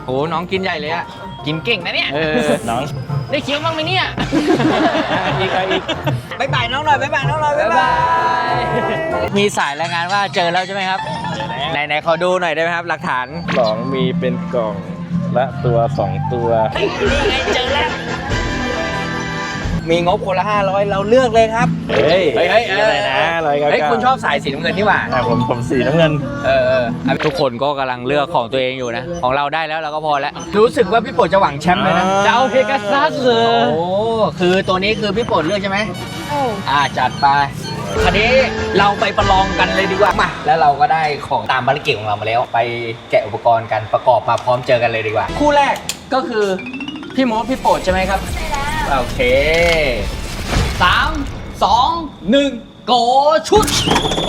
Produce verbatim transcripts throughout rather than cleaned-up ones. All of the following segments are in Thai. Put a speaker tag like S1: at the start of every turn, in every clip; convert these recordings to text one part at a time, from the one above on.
S1: โอ้น้องกินใหญ่เลยอะกินเก่งนะเนี่ย
S2: เออน้อง
S1: ได้เคี้ยวบ้างไหมเนี่ย
S2: อีกอีก
S1: บ๊ายบายน้องหน่อยบ๊ายบายน้องหน่อยบ๊ายบายมีสายรายงานว่าเจอแล้วใช่ไหมครับไหนไหนขอดูหน่อยได้ไหมครับหลักฐาน
S2: สองมีเป็นกล่องละตัวสองตัว
S1: นี่ไงเจอแล้วมีงบคนละห้าร้อยเราเลือกเลยครับ
S2: เฮ้ย
S1: เฮ้ยเฮ้ย
S2: อะไรนะร้อยเก้า
S1: เฮ้ย
S2: เก้า
S1: คุณชอบสายสีน้ำเงินนี่หว่า
S2: อ่ะผมผมสีน้ำเงิน
S1: เออเออทุกคนก็กำลังเลือกของตัวเองอยู่นะของเราได้แล้วเราก็พอแล้วรู้สึกว่าพี่โปรดจะหวังแชมป์เลยนะจะเอาเพกาซัสเหรอโอ้คือตัวนี้คือพี่โปรดเลือกใช่ไหมอ่าจัดไปคราวนี้เราไปประลองกันเลยดีกว่ามาแล้วเราก็ได้ของตามภารกิจของเรามาแล้ว ไปแกะอุปกรณ์กันประกอบมาพร้อมเจอกันเลยดีกว่า คู่แรกก็คือพี่โมดพี่โปรดใช่ไหมครับใช่แล้วโอเคสามสองหนึ่งโกชุด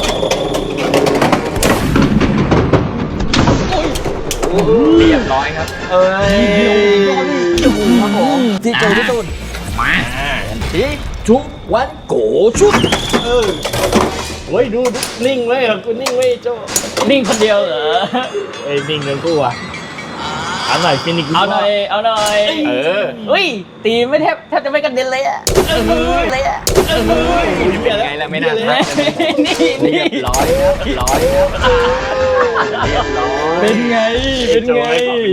S1: เรียบร้อยครับเอ้ยครับผมที่เจอที่ตุนมาที่ทุกวันโกชุดเออ
S2: เฮ้ยดูดูนิ่งไว้เหรอกูนิ่งไว้โจ้
S1: นิ่งคนเดียวเหรอ
S2: เอ้ยนิ่งเงินกูอ่ะเอาหน่อยฟินิก
S1: เอาหน่อยเอาหน่อยเออเฮ้ยตีไม่แทบแทบจะไม่กระเด็นเลยอะเลยอะไงล่ะไม่น่าทักนี่นี่เรียบร้อยเรียบร้อยเรียบร้อย
S2: เป็นไงเป็นไง